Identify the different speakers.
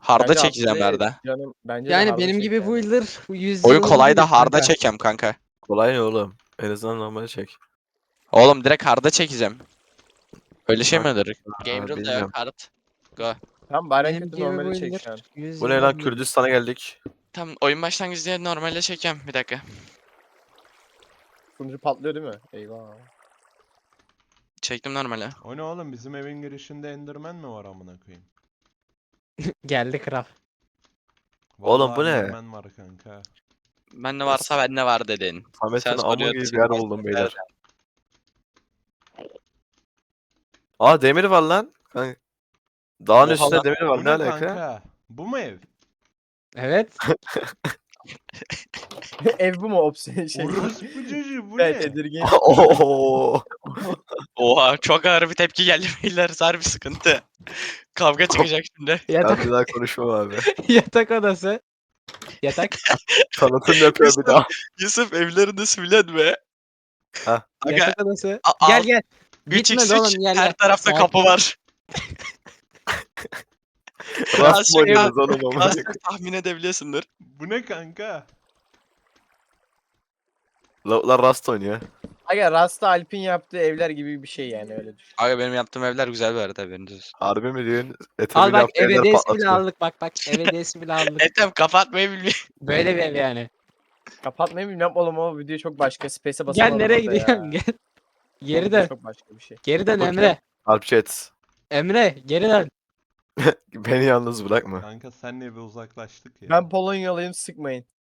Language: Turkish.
Speaker 1: Harda
Speaker 2: Bence
Speaker 1: çekeceğim
Speaker 2: Abdüley
Speaker 1: Arda.
Speaker 2: canım bence de
Speaker 3: Yani
Speaker 2: harda
Speaker 3: benim
Speaker 2: çek
Speaker 3: gibi
Speaker 2: yani.
Speaker 3: builder 100
Speaker 1: Oyun
Speaker 3: yıllık
Speaker 1: kolay
Speaker 3: değil
Speaker 1: da harda
Speaker 3: kanka.
Speaker 1: çekeceğim kanka.
Speaker 4: Kolay ne oğlum? En azından normal çek.
Speaker 1: Oğlum direkt harda çekeceğim. Öyle şey mi
Speaker 4: Hard-
Speaker 1: olur?
Speaker 4: Ha,
Speaker 1: Game rule da
Speaker 4: bilmiyorum.
Speaker 1: yok hard. Go.
Speaker 2: Tamam bari en
Speaker 3: Benim
Speaker 2: kötü
Speaker 3: gibi
Speaker 2: normali çek
Speaker 3: builder
Speaker 2: şu an.
Speaker 3: 100
Speaker 4: Bu ne lan?
Speaker 3: yıllık.
Speaker 4: Kürdistan'a geldik.
Speaker 1: Tamam oyun başlangıcı diye normalde çekeceğim. Bir dakika.
Speaker 2: Sunucu patlıyor değil mi? Eyvah.
Speaker 1: Çektim normale.
Speaker 5: O ne oğlum, bizim evin girişinde Enderman mi var amına koyayım?
Speaker 3: Geldi kral.
Speaker 4: Oğlum,
Speaker 5: Vallahi
Speaker 4: bu ne?
Speaker 5: Enderman var kanka.
Speaker 1: Bende varsa bende var dedin.
Speaker 4: Samet'in
Speaker 1: Sen
Speaker 4: amı
Speaker 1: soruyorsun,
Speaker 4: gibi bir yer
Speaker 1: ben
Speaker 4: buldum
Speaker 1: soruyorum.
Speaker 4: beyler. Aa, demir var lan. Kanka. Dağın
Speaker 1: Oha
Speaker 4: üstünde
Speaker 1: lan.
Speaker 4: demir var,
Speaker 5: Bu
Speaker 4: ne
Speaker 5: ne
Speaker 4: alaka?
Speaker 5: kanka? Bu mu ev?
Speaker 3: Evet.
Speaker 2: Ev bu mu opsiyon şey?
Speaker 5: Orospu çocuğu bu
Speaker 2: Evet,
Speaker 5: ne?
Speaker 2: tedirgin.
Speaker 4: Oo.
Speaker 1: Oha çok ağır bir tepki geldi beyler. Zar bir sıkıntı. Kavga çıkacak şimdi.
Speaker 4: Ben
Speaker 3: Yatak
Speaker 4: bir daha konuşmam abi.
Speaker 3: yatak odası. Yatak.
Speaker 4: Tanıtım yapıyor bir daha.
Speaker 1: Yusuf evlerinde sivlenme.
Speaker 4: Ha.
Speaker 1: Aga
Speaker 3: Yatak odası.
Speaker 1: A-
Speaker 3: Gel
Speaker 1: al-
Speaker 3: gel.
Speaker 1: 3x3
Speaker 3: Gitmedi oğlum gel
Speaker 1: her
Speaker 3: gel.
Speaker 1: tarafta
Speaker 3: Sakin.
Speaker 1: kapı var.
Speaker 4: Rast mı
Speaker 1: Aşağı-
Speaker 4: oynuyoruz oğlum ama?
Speaker 1: Az çok tahmin edebiliyorsundur.
Speaker 5: Bu ne kanka?
Speaker 4: Lavuklar Rast oynuyor.
Speaker 2: Aga Rasta Alp'in yaptığı evler gibi bir şey yani öyle düşün.
Speaker 1: Aga benim yaptığım evler güzel bir arada haberiniz olsun.
Speaker 4: Harbi mi diyorsun?
Speaker 3: Al
Speaker 4: Etemini
Speaker 3: bak
Speaker 4: yaptığı
Speaker 3: ev
Speaker 4: yerler
Speaker 3: hediyesi bile
Speaker 4: patlatıyor.
Speaker 3: aldık bak ev hediyesi bile aldık.
Speaker 1: Etem kapatmayı bilmiyor.
Speaker 3: Böyle bir ev yani.
Speaker 2: Kapatmayı bilmiyorum oğlum, o video çok başka. Space'e
Speaker 3: Gel
Speaker 2: basamam
Speaker 3: nereye
Speaker 2: orada ya.
Speaker 3: gidiyorsun gel.
Speaker 2: O
Speaker 3: Geri
Speaker 2: video
Speaker 3: dön.
Speaker 2: Çok başka bir şey.
Speaker 3: Geri dön
Speaker 4: Bakayım.
Speaker 3: Emre.
Speaker 4: Alp chat.
Speaker 3: Emre geri dön.
Speaker 4: Beni yalnız bırakma.
Speaker 5: Kanka senle bir uzaklaştık ya.
Speaker 2: Ben Polonyalıyım, sıkmayın.